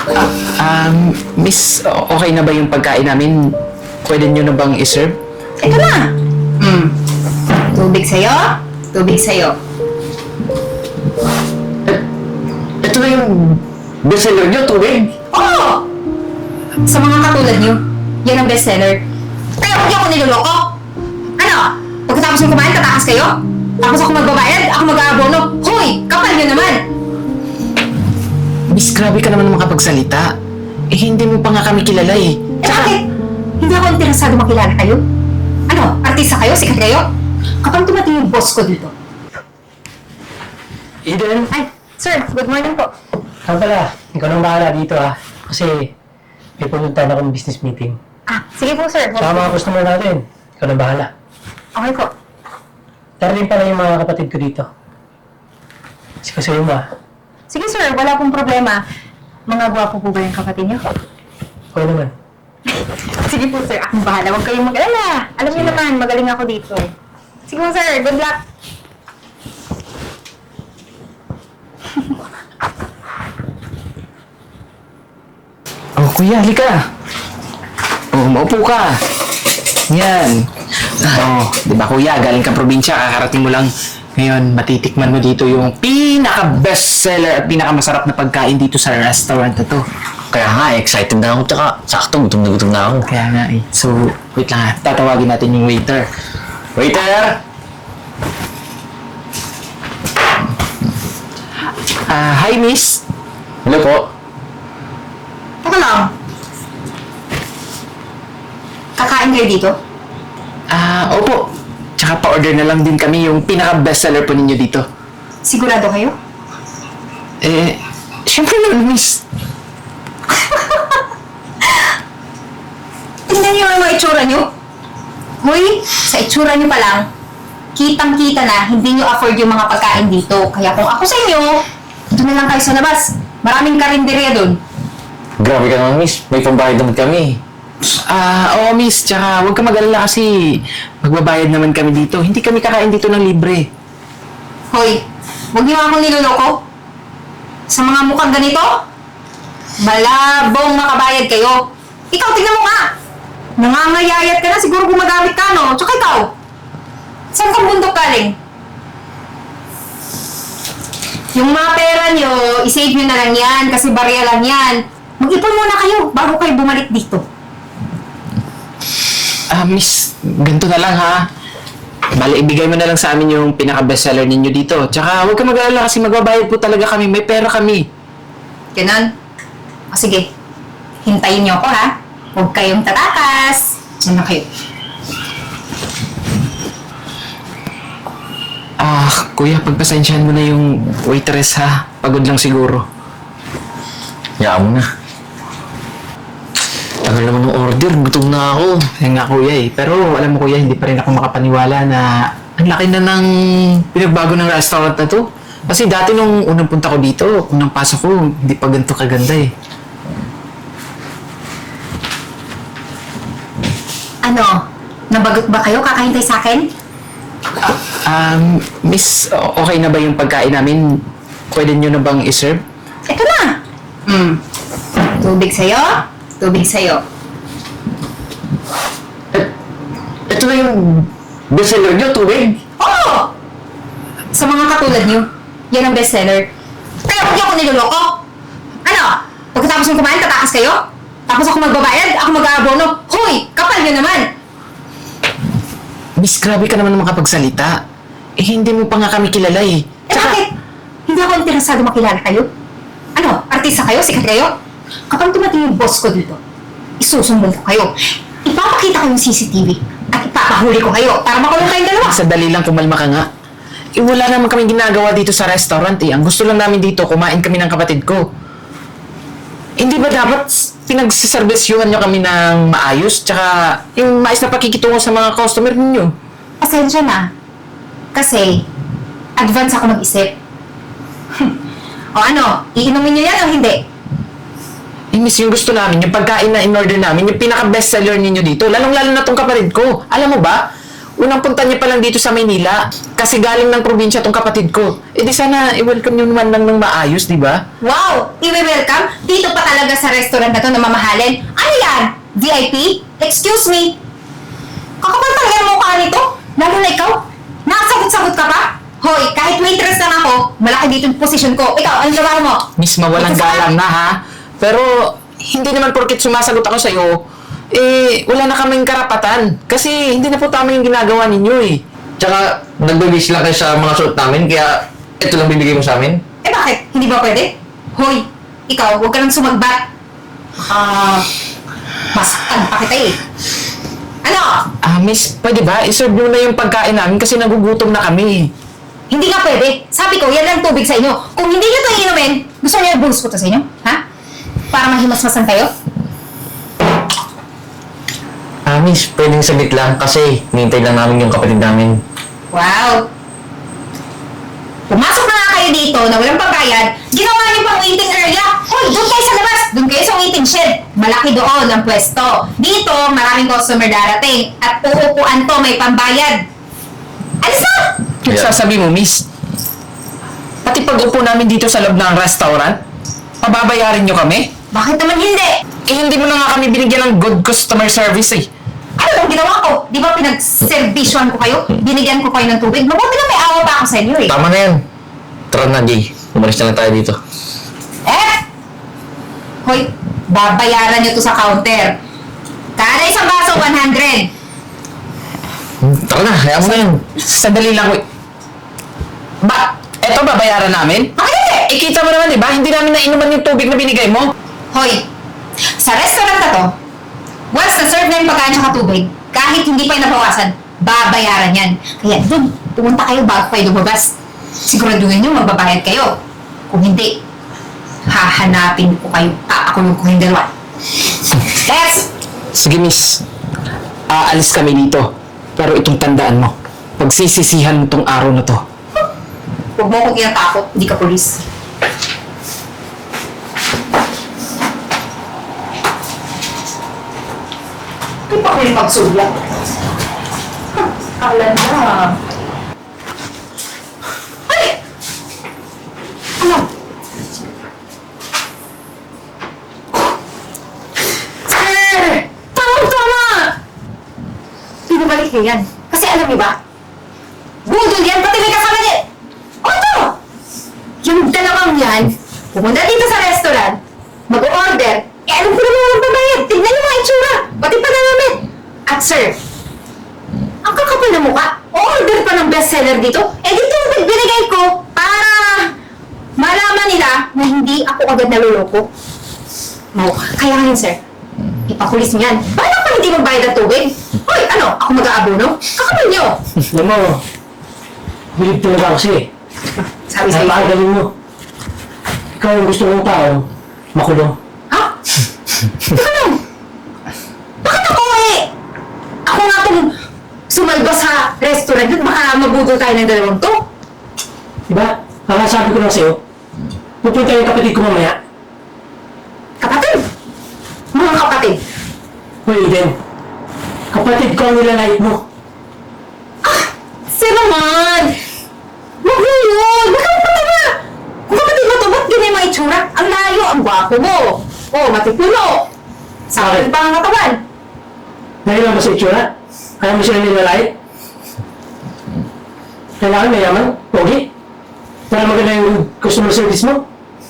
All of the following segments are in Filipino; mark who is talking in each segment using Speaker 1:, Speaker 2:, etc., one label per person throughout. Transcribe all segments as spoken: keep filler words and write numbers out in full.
Speaker 1: Ah, um, miss, o- okay na ba yung pagkain namin? Pwede nyo na bang iserve?
Speaker 2: Ito na! Mm. Tubig sa'yo, tubig sa'yo.
Speaker 1: Ito na yung bestseller nyo, tubig.
Speaker 2: Oo! Sa mga katulad niyo, yan ang bestseller. Kaya huwag niyo ako niloloko. Ano? Pagkatapos ng kumain, tatakas kayo? Tapos ako magbabayad, ako mag-aabono. Hoy! Kapal niyo naman!
Speaker 1: Miss, grabe ka naman makapagsalita. Eh, hindi mo pa nga kami kilala eh.
Speaker 2: Eh bakit? Hindi ako interesado makilala kayo. Ano? Artista kayo? Sikat kayo? Kapag dumating yung boss ko dito.
Speaker 3: Eden,
Speaker 2: Ay, sir, good morning po.
Speaker 3: saan pala? Ikaw nang bahala dito ah. Kasi may pupuntahan akong business meeting.
Speaker 2: Ah, sige po sir.
Speaker 3: Saka mga customer natin. Ikaw nang bahala.
Speaker 2: Okay po.
Speaker 3: Darating pala yung mga kapatid ko dito. Kasi kasi mo ah.
Speaker 2: Sige sir, wala pong problema. Mga gwapo po ba yung kapatid niyo?
Speaker 3: Okay naman.
Speaker 2: Sige po sir, akong bahala. Huwag kayong mag-alala. Alam niyo naman, magaling ako dito. Sige po sir, good luck.
Speaker 1: Oh, kuya, halika. Oh, maupo ka. Yan. Oh, di ba kuya, galing ka probinsya, kakarating mo lang. Ngayon, matitikman mo dito yung pinaka-bestseller at pinaka-masarap na pagkain dito sa restaurant na to.
Speaker 4: Kaya nga, excited na ako. Tsaka, sakto, gutom na gutom na ako.
Speaker 1: Kaya nga eh. So, wait lang ha. Tatawagin natin yung waiter. Waiter! Ah, hi miss.
Speaker 4: Hello po.
Speaker 2: Teka lang. Kakain kayo dito?
Speaker 1: Ah, opo. Tsaka pa-order na lang din kami yung pinaka-bestseller po ninyo dito.
Speaker 2: Sigurado kayo?
Speaker 1: Eh, syempre naman miss.
Speaker 2: Tingnan niyo yung mga itsura niyo. Hoy, sa itsura niyo pa lang, kitang-kita na hindi niyo afford yung mga pagkain dito. Kaya kung ako sa inyo, doon na lang kayo sa labas. Maraming karinderya doon.
Speaker 4: Grabe ka naman, miss. May pambayad naman kami.
Speaker 1: Ah, oo miss. Tsaka huwag ka mag-alala kasi magbabayad naman kami dito. Hindi kami kakain dito ng libre.
Speaker 2: Hoy, huwag niyo akong niloloko. Sa mga mukhang ganito, malabong makabayad kayo. Ikaw, tingnan mo nga. Nangangayayat ka na, siguro gumagamit ka, no? Tsaka ikaw, saan kang bundok galing? Yung mga pera nyo, isave nyo na lang yan kasi barya lang yan. Mag-ipon muna kayo bago kayo bumalik dito.
Speaker 1: Ah, miss, ganito na lang ha. Bale, ibigay mo na lang sa amin yung pinaka-bestseller ninyo dito. Tsaka huwag ka mag-alala kasi magbabayad po talaga kami. May pera kami.
Speaker 2: Ganun? O sige, hintayin nyo ako ha. Huwag kayong tatakas. Diyan na kayo.
Speaker 1: Ah, kuya, pagpasensyahan mo na yung waitress ha. Pagod lang siguro.
Speaker 4: Hayaan mo na. Tagal naman ng order. Gutom na ako.
Speaker 1: Kaya nga kuya eh. Pero alam mo kuya, hindi pa rin ako makapaniwala na ang laki na ng pinagbago ng restaurant na to. Kasi dati nung unang punta ko dito, unang pasok ko, hindi pa ganito kaganda eh.
Speaker 2: Ano? Nabagot ba kayo? Kakahintay sa akin?
Speaker 1: Um, miss, o- okay na ba yung pagkain namin? Pwede nyo na bang iserve?
Speaker 2: Ito na! Mm. Tubig sa'yo, tubig sa'yo.
Speaker 1: Ito na yung bestseller nyo, tubig.
Speaker 2: Oo! Sa mga katulad niyo, yan ang bestseller. Kaya huwag niyo ako niloloko. Ano? Pagkatapos ng kumain, tatakas kayo? Tapos ako magbabayad, ako mag-aabono. Hoy! Kapal niyo naman!
Speaker 1: Miss, grabe ka naman makapagsalita. Eh, hindi mo pa nga kami kilala eh.
Speaker 2: Eh bakit? Hindi ako interesado makilala kayo. Ano? Artista kayo? Sikat kayo? Kapag dumating yung boss ko dito, isusumbong ko kayo. Ipapakita ko yung C C T V at ipapahuli ko kayo para makulong kayong dalawa.
Speaker 1: Sadali lang, kumalma ka nga. Eh, wala naman kami ginagawa dito sa restaurant eh. Ang gusto lang namin dito, kumain kami ng kapatid ko. Hindi ba dapat pinagsiservisyuhan nyo kami ng maayos? Tsaka yung maayos na pakikitungo sa mga customer ninyo.
Speaker 2: Pasensya na. Kasi, advance ako mag-isip. O ano, iinumin niyo yan o hindi?
Speaker 1: Eh, miss, yung gusto namin, yung pagkain na in-order namin, yung pinaka-bestseller ninyo dito, lalong-lalo na tong kapatid ko. Alam mo ba, Unang punta niya pa lang dito sa Maynila. Kasi galing ng probinsya tong kapatid ko. Eh di sana i-welcome niyo naman lang ng maayos, di ba?
Speaker 2: Wow! I-welcome? Dito pa talaga sa restaurant na to na mamahalin? Ano yan? V I P? Excuse me? Kakapal talaga ang mukha nito? Lalo na ikaw? Nakasagot-sagot ka pa? Hoy, kahit waitress lang ako, malaki dito yung posisyon ko. Ikaw, ano trabaho mo?
Speaker 1: Miss, mawalang
Speaker 2: Ito sa-
Speaker 1: galang na ha. Pero hindi naman porket sumasagot ako sa'yo, eh wala na kaming karapatan. Kasi hindi na po tama yung ginagawa ninyo eh.
Speaker 4: Tsaka, nagbe-base lang kayo sa mga suot namin, kaya ito lang bibigay mo sa amin.
Speaker 2: Eh bakit? Hindi ba pwede? Hoy, ikaw, huwag ka nang sumagbat. Ah, masaktan pa kita eh. Ano?
Speaker 1: Ah, miss, pwede ba? I-serve nyo na yung pagkain namin kasi nagugutom na kami.
Speaker 2: Hindi nga pwede. Sabi ko, yan lang tubig sa inyo. Kung hindi nyo ito inumin, gusto niyo i-boost ko to sa inyo? Ha? Para mahimasmasan kayo?
Speaker 4: Ah, miss, pwedeng sabit lang kasi nintay lang namin yung kapatid namin.
Speaker 2: Wow! Pumasok na nga kayo dito na walang pagbayad, ginawa niyo pang waiting area. Hoy, doon kayo sa labas! Doon kayo sa waiting shed. Malaki doon ang pwesto. Dito, maraming customer darating. At uupuan to, may pambayad. Alis na!
Speaker 1: Yung
Speaker 4: Yeah.
Speaker 1: sasabi mo, miss, pati pag-upo namin dito sa loob ng restaurant, pababayarin nyo kami?
Speaker 2: Bakit naman hindi?
Speaker 1: Eh, hindi mo na nga kami binigyan ng good customer service eh.
Speaker 2: Ano bang ginawa ko? Di ba pinag-servisyon ko kayo? Binigyan ko kayo ng tubig? Mabuti na may awa pa ako sa inyo eh.
Speaker 4: Tama na yan. Tara na, Jay. Umalis na lang tayo dito.
Speaker 2: Eh! Hoy, babayaran nyo to sa counter. Kada isang baso, one hundred.
Speaker 4: Tara na, hayaan mo na yan.
Speaker 1: Sandali lang, wait. Ba, eto babayaran namin?
Speaker 2: Bakit hindi?
Speaker 1: Eh, kita mo naman, di ba? Hindi namin nainuman yung tubig na binigay mo.
Speaker 2: Hoy, sa restaurant na to, once na-serve na yung pagkain tsaka tubig, kahit hindi pa yung nabawasan, babayaran yan. Kaya dun, pumunta kayo bago kayo lumabas. Siguraduhin nyo magbabayad kayo. Kung hindi, hahanapin ko kayo, kakakulong ko yung dalawa. Let's!
Speaker 1: Sige, miss. Aalis kami dito. Pero itong tandaan mo, pagsisisihan mo tong araw na to.
Speaker 2: Huwag mo akong tinatakot, hindi ka polis. Hindi pa ko yung pagsulat. Huh, Kala na. Ay! Ano? Sir! Tama-tama! Pinabalik niyo yan. Kasi alam niyo ba? Budol yan, pati may kasama niya. O ito! Yung dalawang yan, pumunta dito sa restaurant, mag-order, eh alam ko naman walang babayad. Tignan niyo mga itsura, pati pa na namin. At sir, ang kakapal na mukha, order pa ng bestseller dito, eh dito ang binigay ko para malaman nila na hindi ako agad naluloko. No, kaya ngayon sir, ipakulis niyo yan. Paano pa hindi magbayad ng tubig? Hoy, ano? Ako mag-aabono? Kakapal niyo!
Speaker 3: Alam mo, bilib talaga ako sa'yo eh.
Speaker 2: Sabi
Speaker 3: Ay,
Speaker 2: sa'yo.
Speaker 3: pakagaling mo. Ikaw ang gusto mong tao, makulong.
Speaker 2: Ha? Teka lang. Bakit ako eh? Ako nga itong sumalba sa restaurant at baka mabudol tayo ng dalawang to.
Speaker 3: Diba? Ang sabi ko lang sa'yo, pupunta yung kapatid ko mamaya.
Speaker 2: Kapatid. Mga kapatid.
Speaker 3: Hoy, Eden. Kapatid ko ang nilalait mo.
Speaker 2: Sir naman! Huwag mo yun! Baka kapatid na! Kung kapatid mo to, ba't ganyan mga itsura? Ang layo, ang gwapo mo. Oh, matipulo. Sa akin pa ang katawan.
Speaker 3: Dahil lang ba sa itsura? Kaya mo sila nilalait? Kailangan mayaman, pogi. Para maganda yung customer service mo.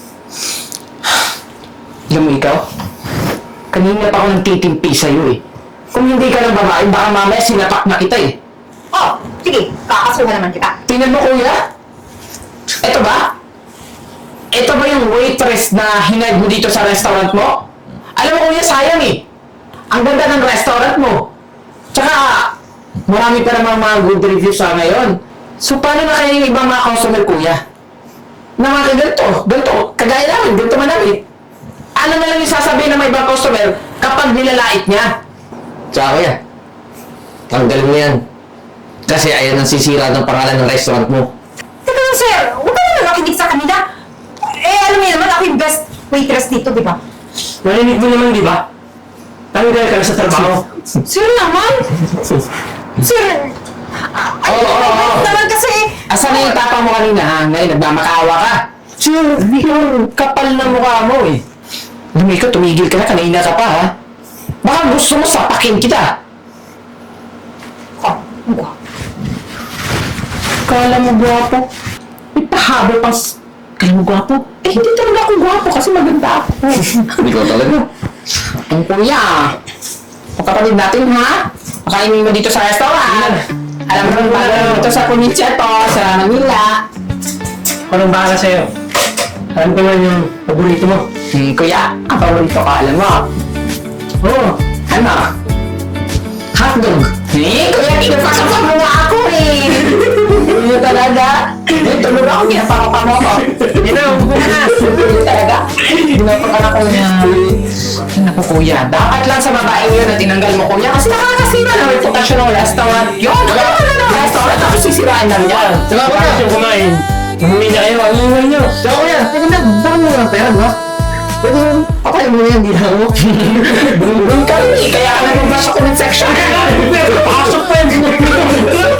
Speaker 1: Alam mo ikaw, kanina pa ako nagtitimpi sa'yo eh. Kung hindi ka ng babae, baka mamaya sinapak na kita eh.
Speaker 2: Oh, sige, kakasuhan naman kita.
Speaker 1: Tingnan mo kuya. Ito ba? Ito ba yung waitress na hinag mo dito sa restaurant mo? Alam mo kuya, sayang eh. Ang ganda ng restaurant mo. Tsaka, marami pa namang mga good reviews sa ngayon. So, paano na kaya yung ibang mga customer kuya? Na mga ganito, ganito, kagaya namin, ganito man namin. Ano na lang yung sasabihin ng mga ibang customer kapag nilalait niya?
Speaker 4: Tsaka kuya, tanggalin mo yan. Kasi ayan ang sisira ng pangalan ng restaurant mo.
Speaker 2: Teka lang, sir. Huwag ka naman makinig sa kanila. Eh, alam niyo naman, ako yung best waitress dito, di ba?
Speaker 3: Narinig mo naman, di ba? Tanggal ka na sa trabaho.
Speaker 2: Sir naman! Sir,
Speaker 1: Oo, oo, oo.
Speaker 2: Naman kasi,
Speaker 1: Asan na yung tapang mo kanina ha? Ngayon, nagmamakaawa ka. Sure, hindi ka kapal na mukha mo eh. Alam mo, ikaw, tumigil ka na, kanina ka pa ha? Baka gusto mo sapakin kita.
Speaker 2: oh, oh.
Speaker 1: Kala mo gwapo. May pahabol pang... s- Kala mo gwapo? Eh, hindi talaga ako gwapo kasi maganda ako.
Speaker 4: Ikaw talaga.
Speaker 1: Ang kuya, pagkapatid natin ha? Makainin mo dito sa restaurant. Alam mo naman paano dito sa Punicia to, sa Manila.
Speaker 3: Ako nang bahala sa'yo. Alam ko naman yung paborito mo.
Speaker 1: Hmm, kuya, ang paborito ka, alam mo.
Speaker 3: Oo.
Speaker 1: Ano? Hotdog. Eh, kuya, pinapasok mo nga ako eh. Hindi talaga. Eh, tulog ako, ginapaka mo ako.
Speaker 3: Hindi na, huwag mo na.
Speaker 1: Hindi talaga. Ginapaka na ko niya. Ay, naku kuya, dapat lang sa babaeng yun na tinanggal mo kuya kasi nakakasira ng reputasyon ng restaurant. Yun, wala ka na ng restaurant tapos sisirain namin yan.
Speaker 3: Diba ba yung kumain? Umuwi na kayo, ang ingay nyo.
Speaker 1: So kuya, teka na, baka mo ng pera, no? Pwede mo, papayin mo na yan, di na mo. Brum-brum kami, kaya ka nag-bash ako ng section.
Speaker 3: Pasok pa yun.